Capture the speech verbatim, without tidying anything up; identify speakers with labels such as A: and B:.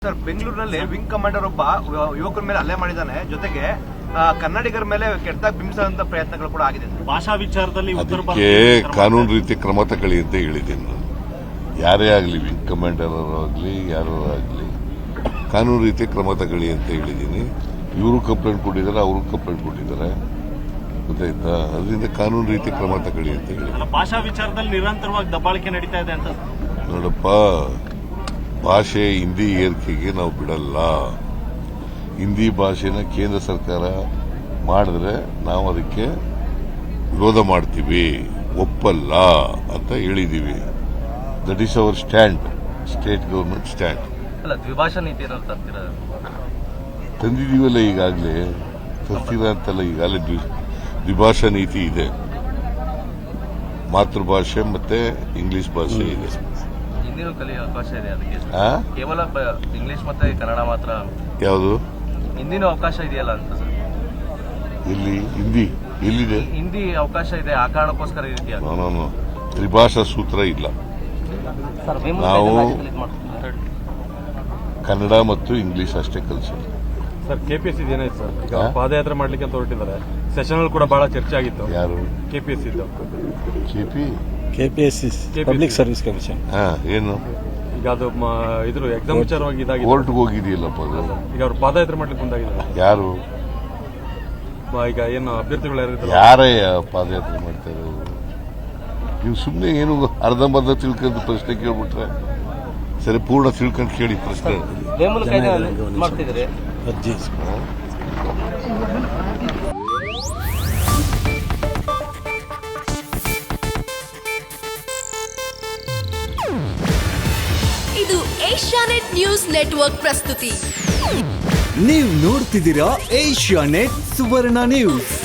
A: Sir, ಬೆಂಗಳೂರಿನಲ್ಲಿ wing commander ಒಬ್ಬ ಯುವಕರ ಮೇಲೆ ಹಲ್ಲೆ ಮಾಡಿದ್ದಾನೆ. ಜೊತೆಗೆ ಕನ್ನಡಿಗರ ಮೇಲೆ ಕೆಟ್ಟದಾಗಿ ಬಿಂಬಿಸುವಂತ ಪ್ರಯತ್ನಗಳು ಕೂಡ ಆಗಿದೆ.
B: ಭಾಷಾ ವಿಚಾರದಲ್ಲಿ
C: ಅದಕ್ಕೆ ಕಾನೂನು ರೀತಿ ಕ್ರಮ ತಗೊಳ್ಳಿ ಅಂತ ಹೇಳಿದ್ದೀನಿ ನಾನು. ಯಾರೇ ಆಗಲಿ, ವಿಂಗ್ ಕಮಾಂಡರ್ ಆಗಲಿ ಯಾರು ಆಗಲಿ, ಕಾನೂನು ರೀತಿ ಕ್ರಮ ತಗೊಳ್ಳಿ ಅಂತ ಹೇಳಿದ್ದೀನಿ. ಇವರು ಕಂಪ್ಲೇಂಟ್ ಕೊಟ್ಟಿದ್ದಾರೆ, ಅವರು ಕಂಪ್ಲೇಂಟ್ ಕೊಟ್ಟಿದ್ದಾರೆ, ಗೊತ್ತಾಯ್ತಾ? ಅದರಿಂದ ಕಾನೂನು ರೀತಿ ಕ್ರಮ ತಗೊಳ್ಳಿ ಅಂತ ಹೇಳಿ.
B: ಭಾಷಾ ವಿಚಾರದಲ್ಲಿ ನಿರಂತರವಾಗಿ ದಬ್ಬಾಳಿಕೆ ನಡೀತಾ ಇದೆ ಅಂತ.
C: ನೋಡಪ್ಪ, ಭಾಷೆ ಹಿಂದಿ ಏರಿಕೆಗೆ ನಾವು ಬಿಡಲ್ಲ. ಹಿಂದಿ ಭಾಷೆನ ಕೇಂದ್ರ ಸರ್ಕಾರ ಮಾಡಿದ್ರೆ ನಾವು ಅದಕ್ಕೆ ವಿರೋಧ ಮಾಡ್ತೀವಿ, ಒಪ್ಪಲ್ಲ ಅಂತ ಹೇಳಿದೀವಿ. That is our stand, state government stand.
A: ಅಲ್ಲ, ದ್ವಿಭಾಷಾ ನೀತಿ ತರ್ತೀರಾ?
C: ತಂದಿದೀವಲ್ಲ ಈಗಾಗಲೇ, ತರ್ತೀರ ಅಂತಲ್ಲ, ಈಗಾಗಲೇ ದ್ವಿಭಾಷಾ ನೀತಿ ಇದೆ. ಮಾತೃಭಾಷೆ ಮತ್ತೆ ಇಂಗ್ಲಿಷ್ ಭಾಷೆ ಇದೆ.
A: ಹಿಂದಿನೂ ಕಲಿಯೋ ಅವಕಾಶ ಇದೆ. ಅದಕ್ಕೆ
C: ಆ?
A: ಕೇವಲ ಇಂಗ್ಲಿಷ್ ಮತ್ತೆ ಕನ್ನಡ ಮಾತ್ರ.
C: ಯಾವುದು?
A: ಹಿಂದಿನೂ ಅವಕಾಶ ಇದೆಯಲ್ಲ ಅಂತ ಸರ್.
C: ಇಲ್ಲಿ ಹಿಂದಿ ಎಲ್ಲಿದೆ?
A: ಹಿಂದಿ ಅವಕಾಶ ಇದೆ, ಆ ಕಾರಣಕ್ಕೋಸ್ಕರ ಈ ರೀತಿ ಆಗಿದೆ.
C: ನಾನು ತ್ರಿಭಾಷಾ ಸೂತ್ರ ಇಲ್ಲ. ನಾವು ಕನ್ನಡ ಮತ್ತು ಇಂಗ್ಲಿಷ್ ಅಷ್ಟೇ ಕಲಿಸೋದು.
D: ಸರ್, ಕೆಪಿಎಸ್ಸಿ ಏನಾಯ್ತು ಸರ್? ಪಾದಯಾತ್ರೆ ಮಾಡ್ಲಿಕ್ಕೆ ಅಂತ ಹೊರಟಿದ್ದಾರೆ. ಸೆಷನ್ ಕೂಡ ಬಹಳ ಚರ್ಚೆ ಆಗಿತ್ತು.
C: ಯಾರು?
D: KPSC
C: KP
E: KPSC public service commission.
C: ಹಾ, ಏನು
D: ಈಗ ಅದು ಇದ್ರ ಎಕ್ಸಾಮ್ ವಿಚಾರವಾಗಿ ಇದಾಗಿದೆ.
C: ಕೋರ್ಟ್ಗೆ ಹೋಗಿದೆಯಲ್ಲಪ್ಪ ಅದು.
D: ಈಗ ಅವ್ರು ಪಾದಯಾತ್ರೆ ಮಾಡ್ಲಿಕ್ಕೆ ಮುಂದಾಗಿದ್ದಾರೆ.
C: ಯಾರು?
D: ಈಗ ಏನು ಅಭ್ಯರ್ಥಿಗಳು ಯಾರು?
C: ಯಾರೇ ಪಾದಯಾತ್ರೆ ಮಾಡ್ತಾ ಇರೋದು? ನೀವು ಸುಮ್ಮನೆ ಏನು ಅರ್ಧಂಬರ್ಧ ತಿಳ್ಕೊಂಡು ಪ್ರಶ್ನೆ ಕೇಳ್ಬಿಟ್ರೆ ಸರಿ, ಪೂರ್ಣ ತಿಳ್ಕೊಂಡು ಕೇಳಿ ಪ್ರಶ್ನೆ.
A: ಮಾಡ್ತಿದ್ರೆ
E: ಅರ್ಜಿ
F: ಇದು ಏಷ್ಯಾನೆಟ್ ನ್ಯೂಸ್ ನೆಟ್ವರ್ಕ್ ಪ್ರಸ್ತುತಿ.
G: ನೀವು ನೋಡ್ತಿದ್ದೀರಾ ಏಷ್ಯಾನೆಟ್ ಸುವರ್ಣ ನ್ಯೂಸ್.